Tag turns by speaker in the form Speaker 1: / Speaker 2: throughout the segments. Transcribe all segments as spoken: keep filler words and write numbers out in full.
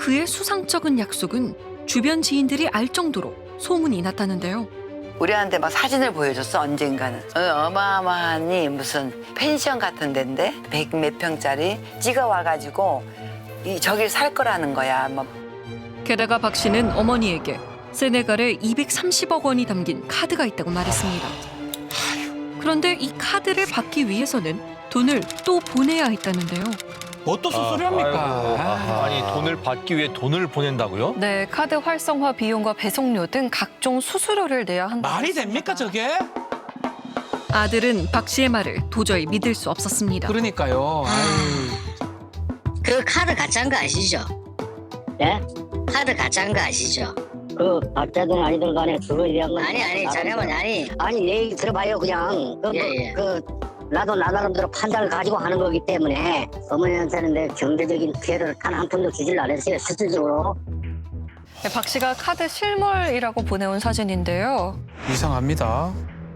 Speaker 1: 그의 수상쩍은 약속은 주변 지인들이 알 정도로 소문이 났다는데요.
Speaker 2: 우리한테 막 사진을 보여줬어 언젠가는. 어, 어마어마하니 무슨 펜션 같은 데인데 백 몇 평짜리 찍어와가지고 이 저길 살 거라는 거야. 뭐.
Speaker 1: 게다가 박 씨는 어머니에게 세네갈에 이백삼십억 원이 담긴 카드가 있다고 말했습니다. 그런데 이 카드를 받기 위해서는 돈을 또 보내야 했다는데요.
Speaker 3: 뭐 또 수수료입니까?
Speaker 4: 아이고,
Speaker 3: 아.
Speaker 4: 아니 돈을 받기 위해 돈을 보낸다고요?
Speaker 5: 네, 카드 활성화 비용과 배송료 등 각종 수수료를 내야 한다.
Speaker 3: 말이 됩니까 저게?
Speaker 1: 아들은 박 씨의 말을 도저히 믿을 수 없었습니다.
Speaker 3: 그러니까요. 아유.
Speaker 6: 그 카드 가짜인 거 아시죠?
Speaker 7: 예?
Speaker 6: 카드 가짜인 거 아시죠?
Speaker 7: 그 가짜든 아니든 간에 주로 얘기한 건
Speaker 6: 아니 아니 잠깐만 아니
Speaker 7: 아니 내 얘기 들어봐요 그냥 그,
Speaker 6: 예, 예.
Speaker 7: 그 나도 나 나름대로 판단을 가지고 하는 거기 때문에 어머니한테는 내 경제적인 피해를 단 한 푼도 주질 않았어요 실질적으로.
Speaker 5: 네, 박 씨가 카드 실물이라고 보내온 사진인데요.
Speaker 3: 이상합니다.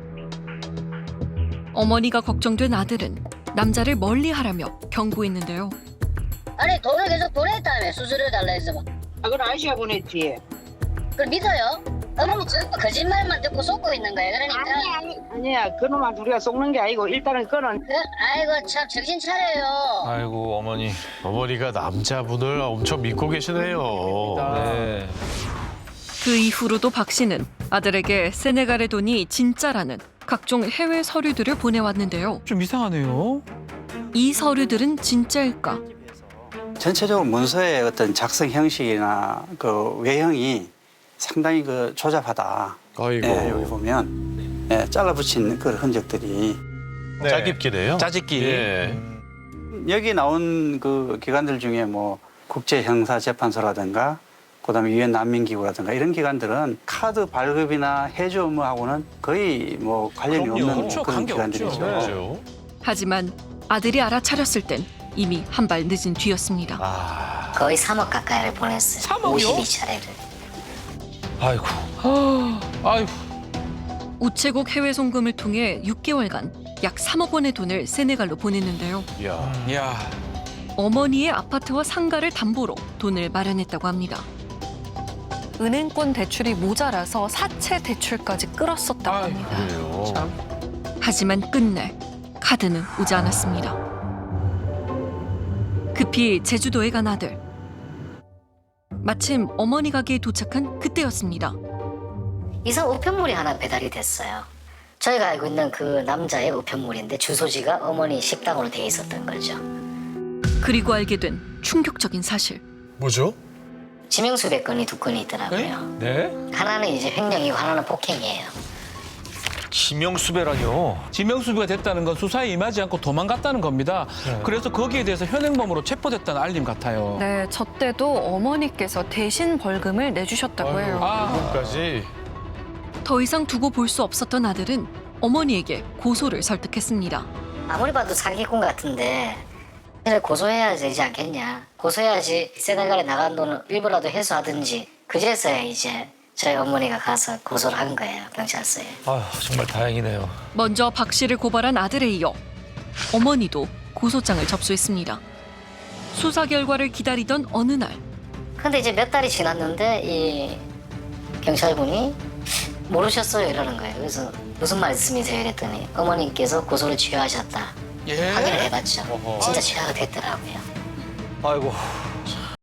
Speaker 1: 어머니가 걱정된 아들은 남자를 멀리하라며 경고했는데요.
Speaker 6: 아니 돈을 계속 보냈다며 수수료 달라 해서 막.
Speaker 8: 아, 그건 아저씨가 보냈지.
Speaker 6: 그걸 믿어요? 어머니 전부 거짓말만 듣고 속고 있는 거예요 그러니까
Speaker 8: 아니, 아니. 아니야, 그놈한테 우리가 속는 게 아니고 일단은 그는
Speaker 6: 그, 아이고 참 정신 차려요.
Speaker 4: 아이고 어머니.
Speaker 9: 어머니가 남자분을 엄청 믿고 계시네요.
Speaker 4: 네.
Speaker 1: 그 이후로도 박 씨는 아들에게 세네갈의 돈이 진짜라는 각종 해외 서류들을 보내왔는데요.
Speaker 3: 좀 이상하네요.
Speaker 1: 이 서류들은 진짜일까?
Speaker 10: 전체적으로 문서의 어떤 작성 형식이나 그 외형이 상당히 그 조잡하다.
Speaker 9: 아이고.
Speaker 10: 예, 여기 보면 예, 잘라붙인 그 흔적들이
Speaker 4: 네.
Speaker 9: 짜깁기네요.
Speaker 3: 짜집기.
Speaker 9: 예.
Speaker 10: 여기 나온 그 기관들 중에 뭐 국제형사재판소라든가 그다음에 유엔 난민기구라든가 이런 기관들은 카드 발급이나 해주 업무하고는 거의 뭐 관련이
Speaker 3: 그럼요.
Speaker 10: 없는
Speaker 3: 그렇죠.
Speaker 10: 그런
Speaker 3: 관계없죠.
Speaker 10: 기관들이죠.
Speaker 9: 그렇죠.
Speaker 1: 하지만 아들이 알아차렸을 땐 이미 한 발 늦은 뒤였습니다.
Speaker 4: 아,
Speaker 6: 거의 삼억 가까이를 보냈어요.
Speaker 3: 삼억이요?
Speaker 6: 오십이 차례를.
Speaker 4: 아이고.
Speaker 3: 아유.
Speaker 1: 우체국 해외 송금을 통해 육 개월간 약 삼억 원의 돈을 세네갈로 보냈는데요.
Speaker 9: 이야.
Speaker 3: 야.
Speaker 1: 어머니의 아파트와 상가를 담보로 돈을 마련했다고 합니다.
Speaker 5: 은행권 대출이 모자라서 사채 대출까지 끌었었다고
Speaker 3: 아유,
Speaker 5: 합니다.
Speaker 9: 그래요.
Speaker 1: 하지만 끝내 카드는 오지 않았습니다. 급히 제주도에 간 아들. 마침 어머니 가게에 도착한 그때였습니다.
Speaker 6: 이상 우편물이 하나 배달이 됐어요. 저희가 알고 있는 그 남자의 우편물인데 주소지가 어머니 식당으로 돼 있었던 거죠.
Speaker 1: 그리고 알게 된 충격적인 사실.
Speaker 9: 뭐죠?
Speaker 6: 지명수배 건이 두 건이 있더라고요.
Speaker 4: 네?
Speaker 6: 하나는 이제 횡령이고 하나는 폭행이에요.
Speaker 4: 지명수배라뇨.
Speaker 3: 지명수비가 됐다는 건 수사에 임하지 않고 도망갔다는 겁니다.
Speaker 4: 네.
Speaker 3: 그래서 거기에 대해서 현행범으로 체포됐다는 알림 같아요.
Speaker 5: 네, 저 때도 어머니께서 대신 벌금을 내주셨다고 해요.
Speaker 3: 아,
Speaker 9: 까지
Speaker 1: 더 이상 두고 볼 수 없었던 아들은 어머니에게 고소를 설득했습니다.
Speaker 6: 아무리 봐도 사기꾼 같은데 그래 고소해야 되지 않겠냐. 고소해야지 세네갈에 나간 돈을 일부라도 회수하든지 그제서야 이제 저희 어머니가 가서 고소를 한 거예요. 경찰서에.
Speaker 4: 아휴 정말 다행이네요.
Speaker 1: 먼저 박 씨를 고발한 아들에 이어 어머니도 고소장을 접수했습니다. 수사 결과를 기다리던 어느 날
Speaker 6: 근데 이제 몇 달이 지났는데 이 경찰분이 모르셨어요 이러는 거예요. 그래서 무슨 말씀이세요 이랬더니 어머님께서 고소를 취하하셨다.
Speaker 3: 예.
Speaker 6: 확인을 해봤죠.
Speaker 4: 어허.
Speaker 6: 진짜 취하가 됐더라고요.
Speaker 4: 아이고